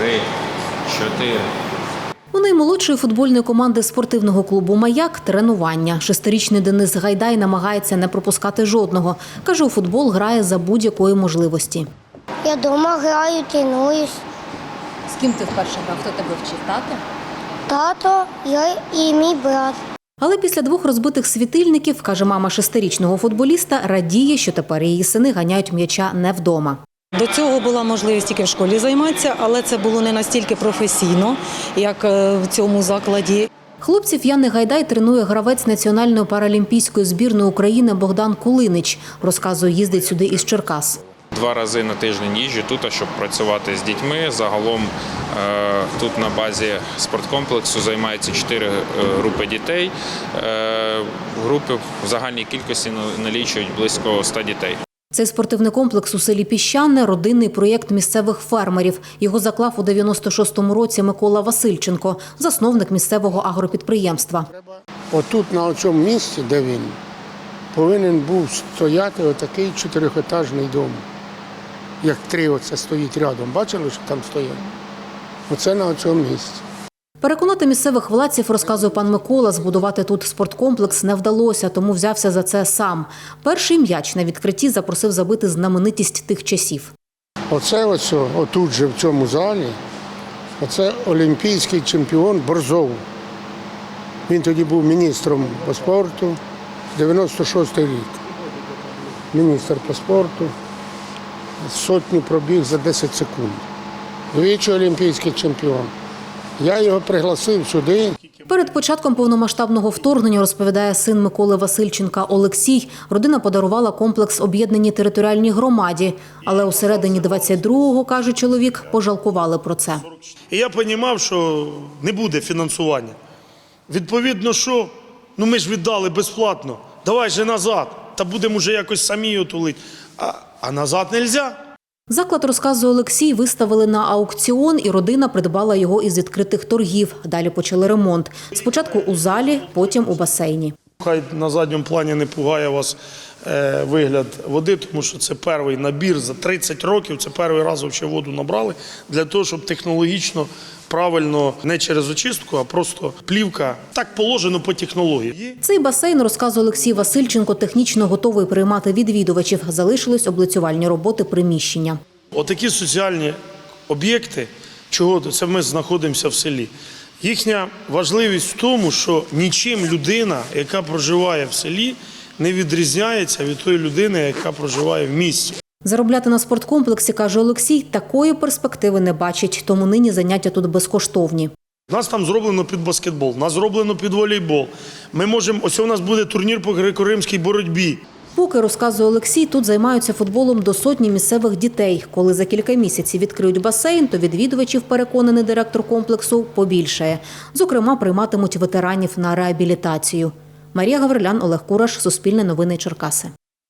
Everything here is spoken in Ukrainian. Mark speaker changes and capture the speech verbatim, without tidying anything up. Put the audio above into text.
Speaker 1: три, чотири.
Speaker 2: У наймолодшої футбольної команди спортивного клубу «Маяк» – тренування. Шестирічний Денис Гайдай намагається не пропускати жодного. Каже, у футбол грає за будь-якої можливості.
Speaker 3: Я вдома граю, тренуюсь.
Speaker 2: З ким ти вперше грав? Хто тебе вчив? Тато?
Speaker 3: Тато, я і мій брат.
Speaker 2: Але після двох розбитих світильників, каже мама шестирічного футболіста, радіє, що тепер її сини ганяють м'яча не вдома.
Speaker 4: До цього була можливість тільки в школі займатися, але це було не настільки професійно, як в цьому закладі.
Speaker 2: Хлопців Яни Гайдай тренує гравець національної паралімпійської збірної України Богдан Кулинич. Розказує, їздить сюди із Черкас.
Speaker 1: Два рази на тиждень їжджу тут, щоб працювати з дітьми. Загалом тут на базі спорткомплексу займаються чотири групи дітей. Групи в загальній кількості налічують близько ста дітей.
Speaker 2: Цей спортивний комплекс у селі Піщане – родинний проєкт місцевих фермерів. Його заклав у дев'яносто шостому році Микола Васильченко, засновник місцевого агропідприємства.
Speaker 5: Отут, на цьому місці, де він, повинен був стояти отакий чотирьохетажний дом. Як три оце стоїть рядом. Бачили, що там стоять? Оце на цьому місці.
Speaker 2: Переконати місцевих владців, розказує пан Микола, збудувати тут спорткомплекс не вдалося, тому взявся за це сам. Перший м'яч на відкритті запросив забити знаменитість тих часів.
Speaker 5: Оце ось, отут же в цьому залі, оце олімпійський чемпіон Борзов. Він тоді був міністром по спорту, дев'яносто шостий рік. Міністр по спорту, сотню пробіг за десять секунд. Двічі олімпійський чемпіон. Я його пригласив сюди.
Speaker 2: Перед початком повномасштабного вторгнення, розповідає син Миколи Васильченка Олексій, родина подарувала комплекс об'єднаній територіальній громаді. Але у середині двадцять другого, каже чоловік, пожалкували про це.
Speaker 6: І я розумів, що не буде фінансування. Відповідно, що? Ну ми ж віддали безплатно. Давай же назад, та будемо вже якось самі його тулити. А, а назад не можна.
Speaker 2: Заклад, розказує Олексій, виставили на аукціон, і родина придбала його із відкритих торгів. Далі почали ремонт. Спочатку у залі, потім у басейні.
Speaker 6: Хай на задньому плані не пугає вас е, вигляд води, тому що це перший набір за тридцять років, це перший раз взагалі воду набрали, для того, щоб технологічно, правильно, не через очистку, а просто плівка. Так положено по технології.
Speaker 2: Цей басейн, розказує Олексій Васильченко, технічно готовий приймати відвідувачів. Залишились облицювальні роботи приміщення.
Speaker 6: Отакі соціальні об'єкти, чого це ми знаходимося в селі. Їхня важливість в тому, що нічим людина, яка проживає в селі, не відрізняється від тої людини, яка проживає в місті.
Speaker 2: Заробляти на спорткомплексі, каже Олексій, такої перспективи не бачить, тому нині заняття тут безкоштовні.
Speaker 6: У нас там зроблено під баскетбол, у нас зроблено під волейбол. Ми можемо, ось у нас буде турнір по греко-римській боротьбі.
Speaker 2: Поки, розказує Олексій, тут займаються футболом до сотні місцевих дітей. Коли за кілька місяців відкриють басейн, то відвідувачів, переконаний директор комплексу, побільшає. Зокрема, прийматимуть ветеранів на реабілітацію. Марія Гаврилян, Олег Кураш, Суспільне новини, Черкаси.